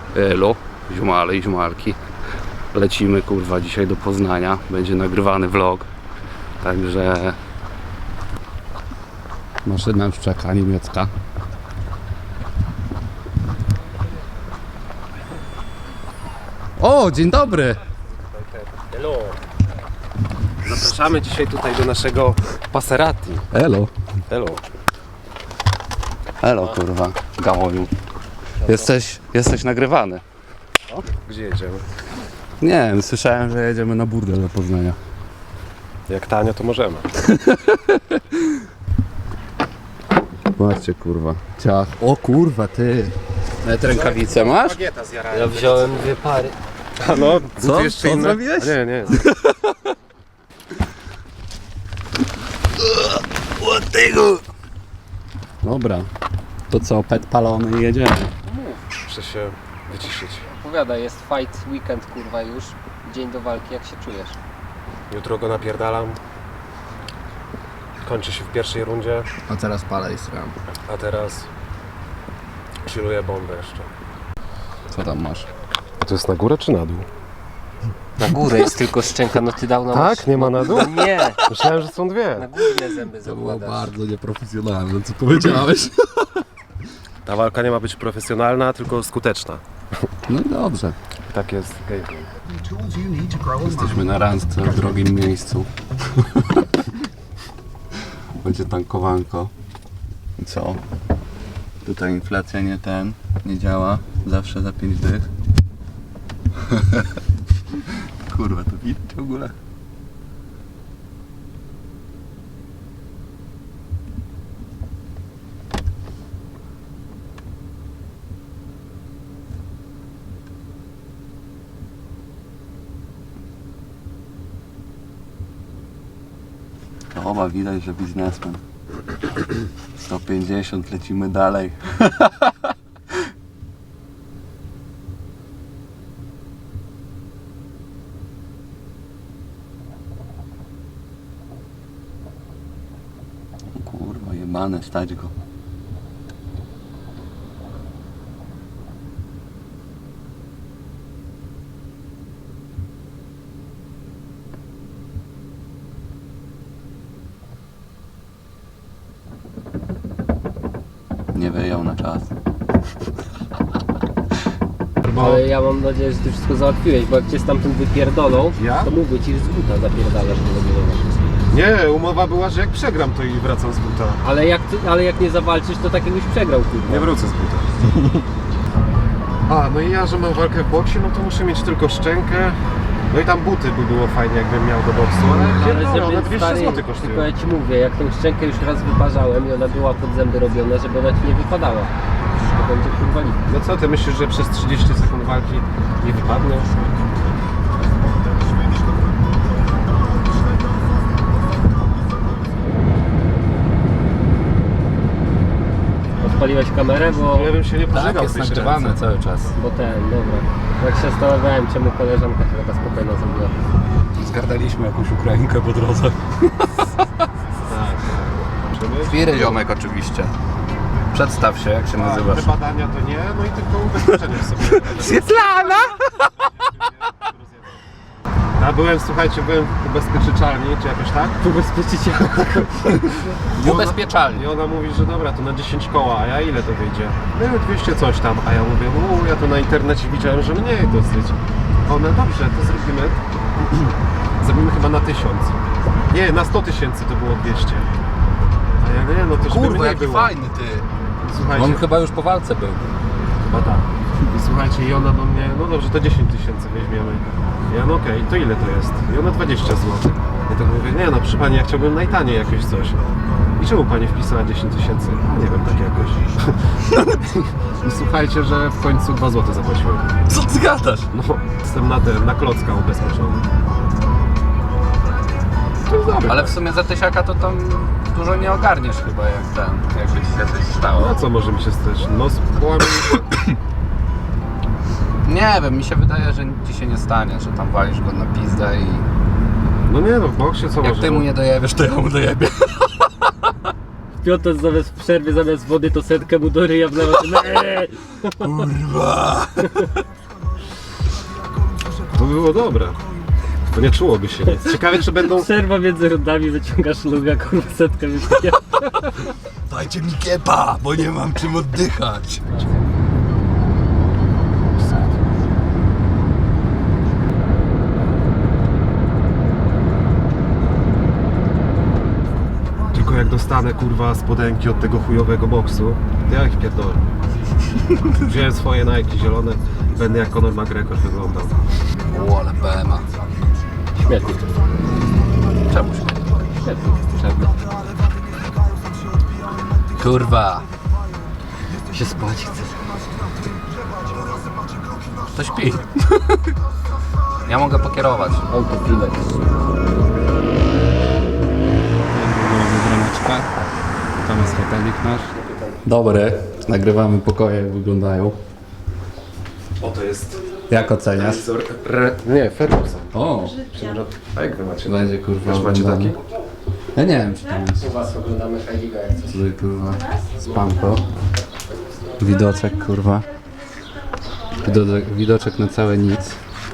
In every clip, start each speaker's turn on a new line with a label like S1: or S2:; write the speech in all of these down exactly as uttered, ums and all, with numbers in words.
S1: Elo, ziomale i ziomalki. Lecimy kurwa dzisiaj do Poznania. Będzie nagrywany vlog. Także maszyna już czeka, niemiecka. O, dzień dobry!
S2: Hello. Zapraszamy dzisiaj tutaj do naszego Passerati.
S1: Elo.
S2: Hello.
S1: Elo kurwa, gałoniu. Jesteś, jesteś nagrywany.
S2: O, gdzie jedziemy?
S1: Nie wiem, słyszałem, że jedziemy na burdel do Poznania.
S2: Jak tanio, to możemy.
S1: Patrzcie kurwa. Ciach. O kurwa ty. Nawet rękawice masz?
S3: Ja wziąłem dwie pary.
S2: A no,
S1: Co?
S2: jeszcze
S1: Co
S2: inne?
S1: zrobiłeś?
S2: Nie, nie.
S1: Dobra. To co, pet palony i jedziemy.
S2: Muszę się wyciszyć.
S3: Opowiada, jest fight weekend kurwa już. Dzień do walki, jak się czujesz?
S2: Jutro go napierdalam. Kończy się w pierwszej rundzie,
S1: A teraz palę i sram.
S2: a teraz chilluję bombę jeszcze.
S1: Co tam masz?
S2: A to jest na górę czy na dół?
S3: Na górę jest tylko szczęka, no ty dawno
S2: Tak? Nie ma na dół?
S3: Nie,
S2: Myślałem, że są
S3: na
S2: dwie.
S3: górne zęby
S1: To było
S3: zakładasz.
S1: bardzo nieprofesjonalne, co powiedziałeś.
S2: Ta walka nie ma być profesjonalna, tylko skuteczna.
S1: No i dobrze.
S2: Tak jest gameplay.
S1: Jesteśmy na randce w drogim miejscu. Będzie tankowanko. I co? Tutaj inflacja nie ten, nie działa. Zawsze za pięć dych. Kurwa, to widać w ogóle? To oba widać, że biznesmen. sto pięćdziesiąt, lecimy dalej. Kurwa, jebane, stać go. Nie wyjął na czas.
S3: Ale ja mam nadzieję, że ty wszystko załatwiłeś, bo jak cię stamtąd wypierdolą,
S2: Ja?
S3: to mógłby ci z buta zapierdalasz do nagrywania.
S2: Nie, umowa była, że jak przegram, to i wracam z buta.
S3: Ale jak, ty, ale jak nie zawalczysz, to tak jakbyś przegrał kurwa.
S2: Nie wrócę z buta. A, no i ja, że mam walkę w boksie, no to muszę mieć tylko szczękę. No i tam buty by było fajnie, jakbym miał do boksu, ale pierdolę, one dwieście
S3: stary,
S2: złotych
S3: tylko
S2: kosztują.
S3: ja ci mówię, jak tą szczękę już raz wyparzałem i ona była pod zęby robiona, żeby ona ci nie wypadała. To będzie kurwa lipa.
S2: No co, ty myślisz, że przez trzydzieści sekund walki nie wypadnie?
S3: Odpaliłeś kamerę, bo,
S2: Ja bym się nie pożegał w tej szczęce.
S1: cały czas.
S3: bo ten, dobra. Jak się zastanawiałem, czemu koleżanka się taka spokojna zrobiła.
S1: Zgardaliśmy jakąś Ukrainkę po drodze.
S2: Tak, tak. Czy
S1: Wiry ziomek oczywiście. Przedstaw się, jak się nazywasz.
S2: te badania to nie, no i tylko ubezpieczenie sobie.
S1: Swietlana!
S2: Ja byłem, słuchajcie, byłem w ubezpieczalni, czy jakoś tak?
S3: Ubezpieczycie.
S2: I ona-
S1: Ubezpieczalni.
S2: I ona mówi, że dobra, to na dziesięć koła, a ja ile to wyjdzie? No dwieście coś tam, a ja mówię, u, ja to na internecie widziałem, że mniej dosyć. One, dobrze, to zrobimy. Zrobimy chyba na tysiąc. Nie, na sto tysięcy to było dwieście. A ja nie, no to żeby
S1: Kurwa,
S2: mniej
S1: jaki
S2: było.
S1: fajny ty.
S2: Słuchajcie,
S1: On chyba już po walce był.
S2: chyba tak. I słuchajcie, i ona do mnie, no dobrze, to dziesięć tysięcy weźmiemy. Ja, no okej, to ile to jest? I ona dwadzieścia złotych. Ja tak mówię, nie no, proszę pani, ja chciałbym najtaniej jakieś coś. I czemu pani wpisała dziesięć tysięcy? No nie wiem, tak jakoś. I słuchajcie, że w końcu dwa złote zapłaciłem.
S1: Co ty gadasz?
S2: No, jestem na ten, na klocka ubezpieczony. To jest dobre.
S1: Ale w sumie za tysiaka to tam dużo nie ogarniesz chyba, jak ten, jakby ci się coś stało.
S2: No co może mi się stać? No, połamie mi się.
S1: Nie wiem, mi się wydaje, że nic ci się nie stanie, że tam walisz go na pizdę i
S2: No nie no, w boksie co
S1: jak
S2: może?
S1: ty mu nie dojebiesz, to ja mu dojebię.
S3: Piotr zamiast w przerwie, zamiast wody to setkę mu do ryja wlewa. Eee!
S1: Kurwa!
S2: To było dobre. To nie czułoby się nic. Ciekawe, czy będą...
S3: Przerwa między rundami, wyciągasz luga, kurwa setkę wypija.
S1: Dajcie mi kiepa, bo nie mam czym oddychać.
S2: Tylko jak dostanę, kurwa, spodenki od tego chujowego boksu, to ja ich pierdolę. Wziąłem swoje Nike zielone, będę jak Conor McGregor wyglądał.
S1: O, ale B M A.
S3: Śmietnik.
S1: Czemu się?
S3: Śmietnik. Czarny.
S1: Kurwa.
S3: Się spać chce.
S1: To śpi. Ja mogę pokierować.
S3: Autopilot.
S1: Droneczka. Tam jest hotelik nasz. Dobry. Nagrywamy pokoje, jak wyglądają.
S2: O, to jest...
S1: Jak oceniasz?
S2: Re... Nie, Ferguson.
S1: O,
S2: A jak wy macie?
S1: będzie kurwa.
S2: Też macie taki?
S1: Ja nie wiem, czy tam jest.
S3: U was oglądamy Heiliga jak coś.
S1: Tutaj kurwa spanko. Widoczek kurwa. Widoczek, widoczek na całe nic.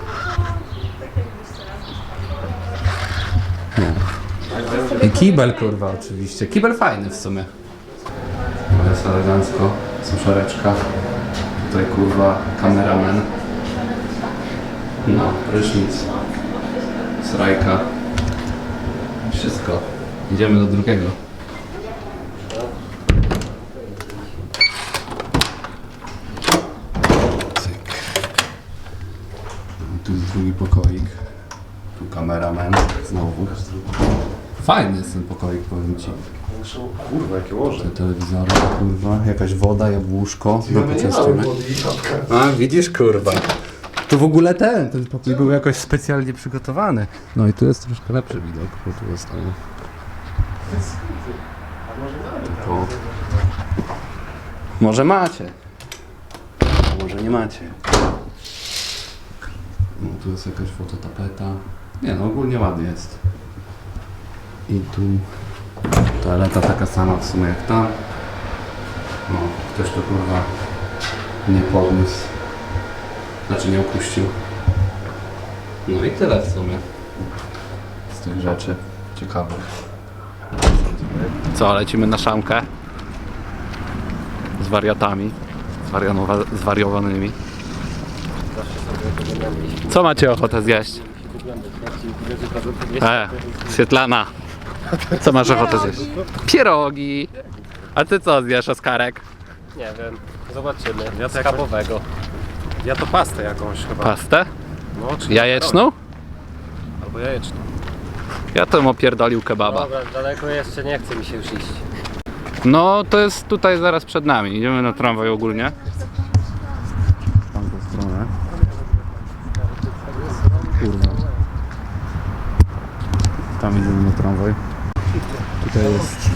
S1: Nie. I kibel kurwa oczywiście. Kibel fajny w sumie. No jest elegancko. Suszareczka. Tutaj kurwa kameraman. No, prysznic. Srajka. Wszystko. Idziemy do drugiego. Cyk. Tu jest drugi pokoik. Tu kameraman. Znowu. Fajny jest ten pokoik, powiem ci.
S2: Kurwa, jakie łoże.
S1: Te telewizory, kurwa. Jakaś woda, jabłuszko. Do poczęstujemy. A, widzisz, kurwa. Tu w ogóle ten, ten pokój był jakoś specjalnie przygotowany. No i tu jest troszkę lepszy widok, bo tu jest tam... To... Może macie. A może nie macie. No tu jest jakaś fototapeta. Nie no, ogólnie ładnie jest. I tu toaleta taka sama w sumie jak tam. No, ktoś to kurwa nie podniósł. Znaczy nie opuścił. No i tyle w sumie z tych rzeczy ciekawych. Co, lecimy na szamkę z wariatami, zwarianowa- zwariowanymi. Co macie ochotę zjeść? E, Swietlana, co masz ochotę zjeść? Pierogi! A ty co zjesz, Oskarek?
S3: Nie wiem, zobaczymy.
S2: Ja to
S3: Schabowego.
S2: Ja to pastę jakąś chyba.
S1: Pastę?
S2: No, czy
S1: Jajeczną?
S2: albo jajeczną.
S1: Ja to opierdolił kebaba.
S3: Dobra, daleko jeszcze nie chce mi się już iść.
S1: No to jest tutaj zaraz przed nami. Idziemy na tramwaj ogólnie. W tamtą stronę. Kurwa. Tam idziemy na tramwaj. Tutaj jest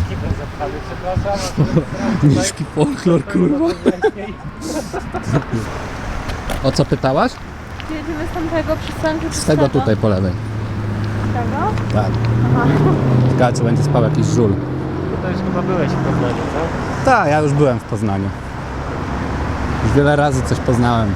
S1: niski folklor, kurwa. O co pytałaś?
S4: Jedziemy z tamtego przystanku czy
S1: Z tego tutaj po lewej.
S4: Tego?
S1: Tak. Ciekawe, czy będzie spał jakiś żul.
S3: To już chyba byłeś w Poznaniu, co?
S1: Tak, ja już byłem w Poznaniu. Już wiele razy coś poznałem.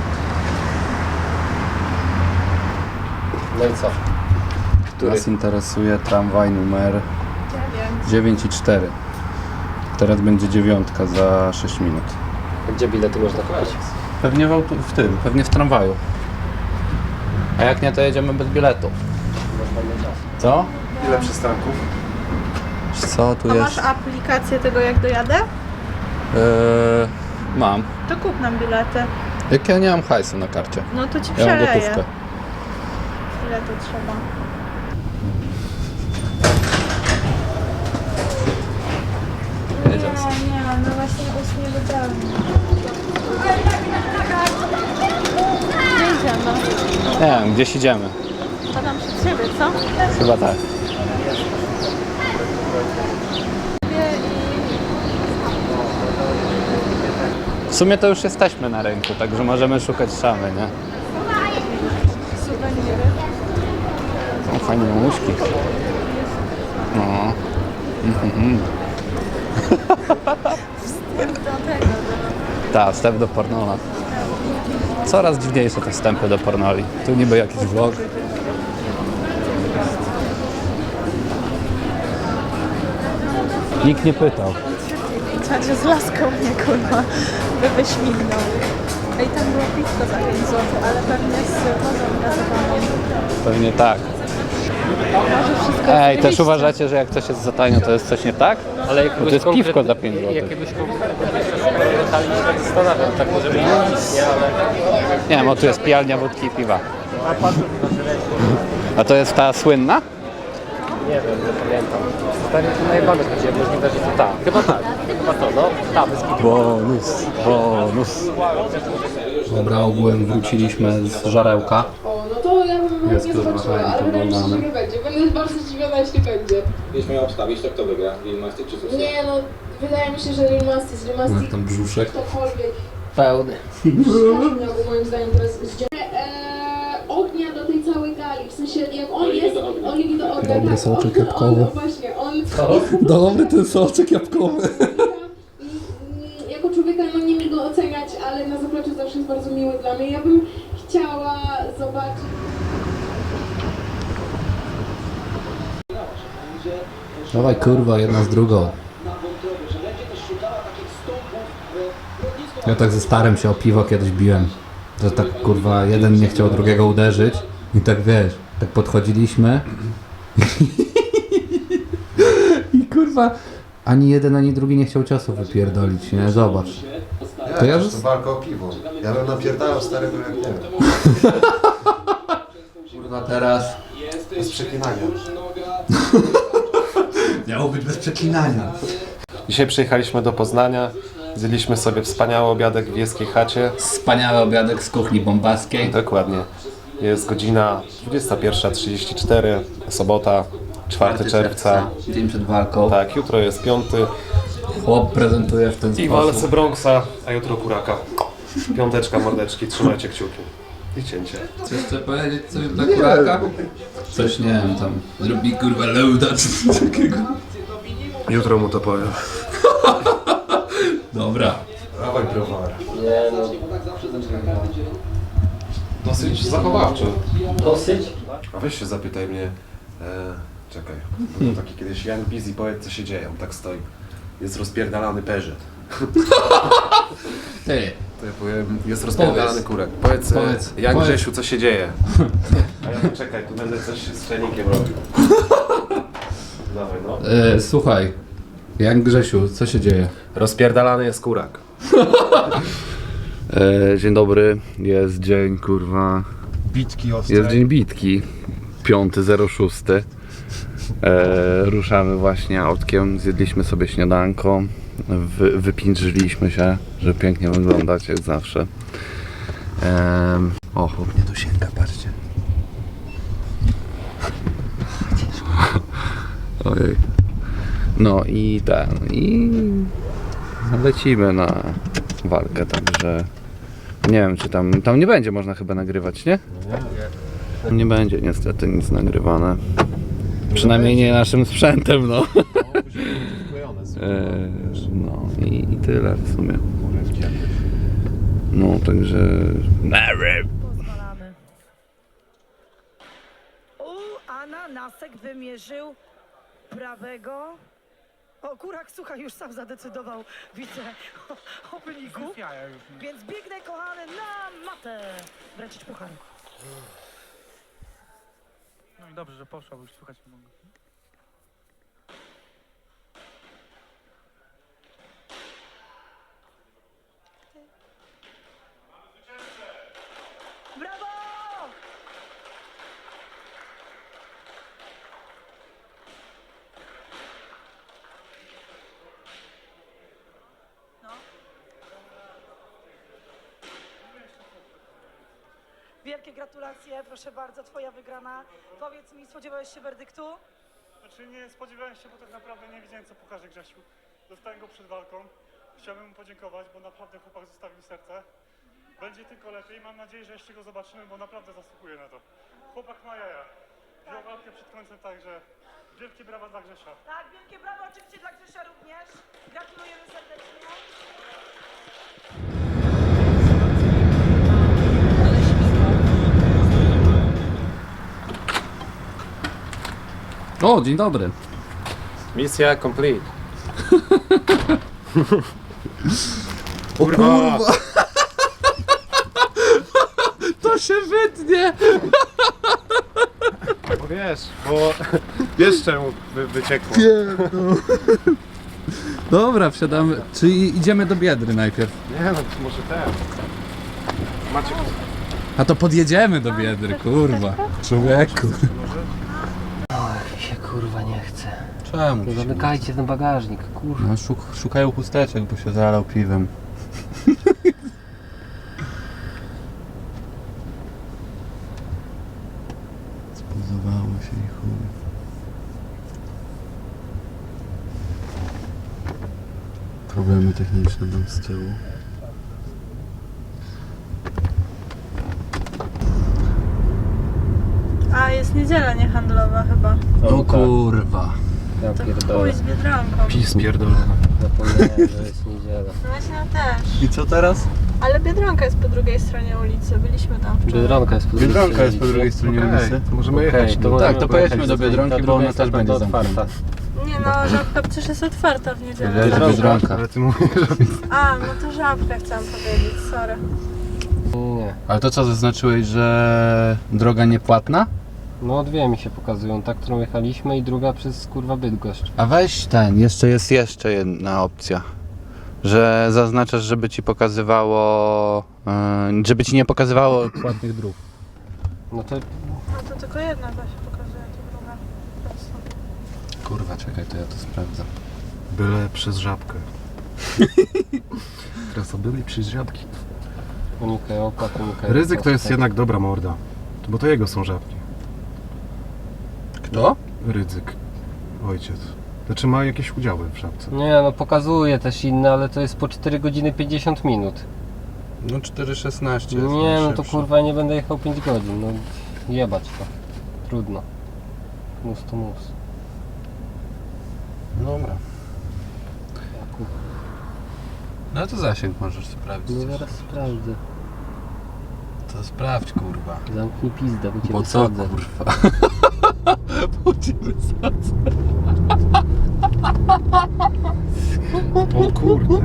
S3: No i co? Który?
S1: Nas interesuje tramwaj numer dziewięć i cztery. Teraz będzie dziewiątka za sześć minut.
S3: Gdzie bilety można kupić?
S1: Pewnie w, autu- w tym, pewnie w tramwaju. A jak nie, to jedziemy bez biletu. Co?
S2: Ile przystanków?
S1: Wiesz Co tu
S4: A
S1: jest?
S4: masz aplikację tego jak dojadę?
S1: Yy, mam.
S4: To kup nam bilety.
S1: Jak ja nie mam hajsu na karcie.
S4: No to ci
S1: Ja mam
S4: przeleję.
S1: gotówkę.
S4: Ile to trzeba?
S1: Jedziemy sobie.
S4: Nie, nie, no właśnie ust nie wybrałem. Gdzie idziemy?
S1: Nie wiem, gdzieś idziemy.
S4: Padam przed siebie, co?
S1: Chyba tak. W sumie to już jesteśmy na rynku, także możemy szukać szamy, nie?
S4: Suweniry.
S1: Są fajne mamuśki. No. Mhm.
S4: Wstęp do tego, do...
S1: Tak, wstęp do pornola. Coraz dziwniejsze te wstępy do pornoli. Tu niby jakiś vlog. Nikt nie pytał.
S4: Czadzie z laską mnie, kurwa, by wyśmignął. Ej, tam było piwko za pięć złotych, ale pewnie z wodą gazowaną.
S1: Pewnie tak.
S4: Może wszystko
S1: Ej, też
S4: zjeść.
S1: uważacie, że jak coś jest za tanio, to jest coś nie tak?
S3: Ale
S1: Bo
S3: jakiegoś
S1: to jest piwko
S3: konkretne-
S1: za pięć złotych.
S3: Jakiegoś konkretnego detali się tak zastanawiam, tak może być nic, nie, ale...
S1: Nie wiem, o tu jest pijalnia wódki i piwa. A to jest ta słynna?
S3: Nie wiem, nie pamiętam. Stary to najebane chodzi, możliwe, że to ta. Chyba tak, chyba to, no. Ta, bez kitu.
S1: Bonus, bonus. Dobra, ogółem wróciliśmy z żarełka.
S5: O, no to ja bym
S1: Jest
S5: nie
S1: kurwa
S5: zobaczyła,
S1: fajnie
S5: ale wydaje mi się, że
S1: poglądane.
S5: nie będzie. Będę bardzo zdziwiona, jeśli będzie.
S6: Jeśli miał obstawić, to kto wygra? Lil Mastic czy Susie?
S5: Nie, no, wydaje mi się, że Lil Mastic, Lil Mastic,
S1: Tam brzuszek.
S5: ktokolwiek
S3: Pełny.
S5: miałby moim zdaniem teraz zdział... Eee, ognia do tej całej gali, w sensie jak on
S6: Oliwii
S5: jest,
S6: do ognia.
S5: Oliwii do ognia,
S1: Dobry
S5: tak,
S1: soczek
S5: on-
S1: jabłkowy.
S5: On, właśnie, on...
S1: Dobry ten soczek jabłkowy.
S5: Mm, Jako człowieka no nie mi go oceniać, ale na zapleczu zawsze jest bardzo miły dla mnie. Ja bym chciała zobaczyć...
S1: Dawaj kurwa, jedna z drugą. Ja tak ze starym się o piwo kiedyś biłem. Że tak kurwa, jeden nie chciał drugiego uderzyć. I tak wiesz, tak podchodziliśmy. I kurwa, ani jeden, ani drugi nie chciał ciosu wypierdolić, nie? Zobacz. To ja
S2: to
S1: już...
S2: walka o piwo. Ja bym napierdalał starego jak nie wiem.
S1: Kurwa teraz...
S2: Bez przeklinania.
S1: Miało być bez przeklinania.
S2: Dzisiaj przyjechaliśmy do Poznania. Zjedliśmy sobie wspaniały obiadek w Wieskiej Chacie.
S1: Wspaniały obiadek z kuchni bombaskiej.
S2: Dokładnie. Jest godzina dwudziesta pierwsza trzydzieści cztery, sobota, czwartego czerwca.
S1: Dzień przed walką.
S2: Tak, jutro jest piąty.
S1: Chłop prezentuje w ten
S2: I walce
S1: sposób.
S2: Bronxa, a jutro kuraka. Piąteczka, mordeczki, trzymajcie kciuki. I cięcie.
S1: Coś chce powiedzieć? Coś dla kuraka? Coś nie wiem, tam zrobi kurwa loada czy coś takiego.
S2: Jutro mu to powiem.
S1: Dobra.
S2: Dawaj browar.
S3: Nie no,
S2: Dosyć zachowawczy.
S3: dosyć.
S2: A weź się zapytaj mnie. E, czekaj. Był taki kiedyś Young Busy, powiedz co się dzieje. On tak stoi. Jest rozpierdalany Peugeot.
S1: Ty,
S2: To ja powiem, jest rozpierdalany
S1: Powiedz.
S2: kurek. Powiedz,
S1: Powiedz.
S2: Powiedz. jak
S1: Powiedz.
S2: Grzesiu, co się dzieje? A ja tu czekaj, tu będę coś z czajnikiem robił. Dawaj no.
S1: e, słuchaj. Jak Grzesiu, co się dzieje?
S2: Rozpierdalany jest kurak.
S1: E, dzień dobry, jest dzień kurwa...
S2: Bitki ostre.
S1: Jest dzień bitki. piąty zero sześć. E, ruszamy właśnie autkiem, zjedliśmy sobie śniadanko. Wy, wypindrzyliśmy się, żeby pięknie wyglądać jak zawsze. E, o, chłop mnie tu sięga, patrzcie. Ojej. No i ten, i lecimy na walkę, także nie wiem czy tam, tam nie będzie można chyba nagrywać, nie? Nie będzie niestety nic nagrywane. Przynajmniej nie naszym sprzętem, no. E, no i, i tyle w sumie. No także...
S7: Pozwalamy. U, ananasek wymierzył prawego. O, kurak, słuchaj, już sam zadecydował, widzę, o, o wyniku. Więc biegnę, kochany, na matę. Wręczyć puchar.
S8: No i dobrze, że poszła, bo już słuchać nie mogę.
S7: Brawo! No. Wielkie gratulacje, proszę bardzo, twoja wygrana. Powiedz mi, spodziewałeś się werdyktu?
S8: Znaczy nie spodziewałem się, bo tak naprawdę nie wiedziałem co pokaże Grzesiu. Dostałem go przed walką. Chciałbym mu podziękować, bo naprawdę chłopak zostawił serce. Będzie tylko lepiej. Mam nadzieję, że jeszcze go zobaczymy, bo naprawdę zasługuje na to. Chłopak ma jaja. Wziął walkę przed końcem tak, że Wielkie brawa dla Grzesia.
S7: Tak, wielkie brawo oczywiście dla Grzesia również. Gratulujemy serdecznie.
S1: O, dzień dobry.
S2: Misja complete.
S1: O kurwa! To się wytnie!
S2: Bo wiesz, bo wiesz czemu wy, wyciekło.
S1: Dobra, wsiadamy. Czy idziemy do Biedry najpierw?
S2: Nie no, może ten. Macie
S1: A to podjedziemy do Biedry, kurwa. Człowieku.
S3: Oj, się kurwa nie chce.
S1: Czemu?
S3: No
S1: ci się
S3: zamykajcie ten bagażnik, kurwa.
S1: No, szuk szukają chusteczek, bo się zalał piwem. Spozowało się i chuj. Problemy techniczne tam z tyłu.
S4: A, jest niedziela niehandlowa chyba.
S1: O kurwa.
S3: Ja
S4: To
S3: pierdolę.
S4: chuj z Biedronką.
S2: pis pierdolony.
S3: Zapomniałem, że jest niedziela.
S4: No właśnie ja też.
S1: I co teraz?
S4: Ale Biedronka jest po drugiej stronie ulicy, byliśmy tam wczoraj.
S3: Biedronka jest po drugiej
S1: Biedronka jest po
S3: stronie
S1: drugiej stronie
S2: Okej,
S1: ulicy.
S2: to możemy
S3: Okej,
S2: jechać.
S3: to
S2: do-
S3: możemy
S1: Tak, to
S3: pojechać
S1: pojedźmy do
S3: z tej-
S1: Biedronki,
S3: ta
S1: bo
S3: druga
S1: ona
S3: jest
S1: też
S3: na
S1: będzie
S3: pewno otwarta.
S1: zamknięta.
S4: Nie no, żabka przecież jest otwarta w niedzielę.
S1: Biedronka. Biedronka.
S2: Ale ty mówisz, że...
S4: A, no to żabkę chciałam powiedzieć, sorry.
S3: Nie.
S1: Ale to co zaznaczyłeś, że droga niepłatna?
S3: No dwie mi się pokazują, ta, którą jechaliśmy i druga przez kurwa Bydgoszcz.
S1: A weź ten, jeszcze jest jeszcze jedna opcja. Że zaznaczasz, żeby ci pokazywało, yy, żeby ci nie pokazywało płatnych dróg.
S3: No to
S4: No to tylko jedna ta się pokazuje, to druga. Prosto.
S1: Kurwa, czekaj, to ja to sprawdzam.
S2: Byle przez żabkę. Teraz to byli przez żabki.
S3: unikaj opłat, unikaj...
S2: Ryzyk to jest
S3: kosztów.
S2: jednak dobra morda. Bo to jego są żabki.
S1: Kto?
S2: Rydzyk. Ojciec. Znaczy ma jakieś udziały w żabce.
S3: Nie no, pokazuje też inne, ale to jest po cztery godziny pięćdziesiąt minut.
S1: No cztery szesnaście.
S3: Nie no to kurwa nie będę jechał pięć godzin, no jebać to. Trudno. Mus to mus.
S1: Dobra.
S3: Jakub.
S1: No to zasięg możesz sprawdzić.
S3: No zaraz sprawdzę.
S1: To sprawdź, kurwa.
S3: Zamknij pizdę, bo cię
S1: Po co,
S3: wysadzę.
S1: kurwa? Bo cię wysadzę.
S2: O kurde.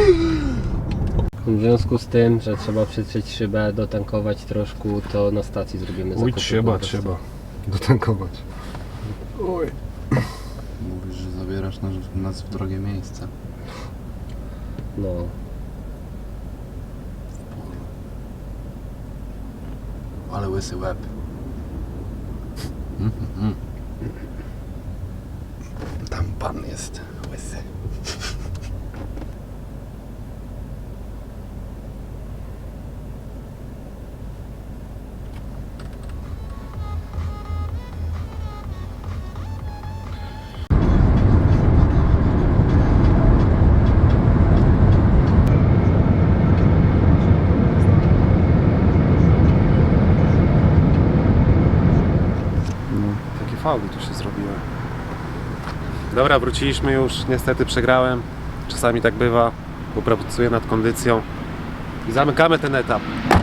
S3: W związku z tym, że trzeba przetrzeć szybę, dotankować troszkę, to na stacji zrobimy
S2: Oj,
S3: zakupy
S2: trzeba,
S3: po prostu.
S2: trzeba. Dotankować. Oj.
S1: Mówisz, że zabierasz nas, nas w drogie miejsce.
S3: No.
S1: Ale łysy łeb. Mm, mm, mm. Tam pan jest łysy.
S2: Takie fauły tu się zrobiły. Dobra, wróciliśmy już. Niestety przegrałem. Czasami tak bywa. Bo pracuję nad kondycją. I zamykamy ten etap.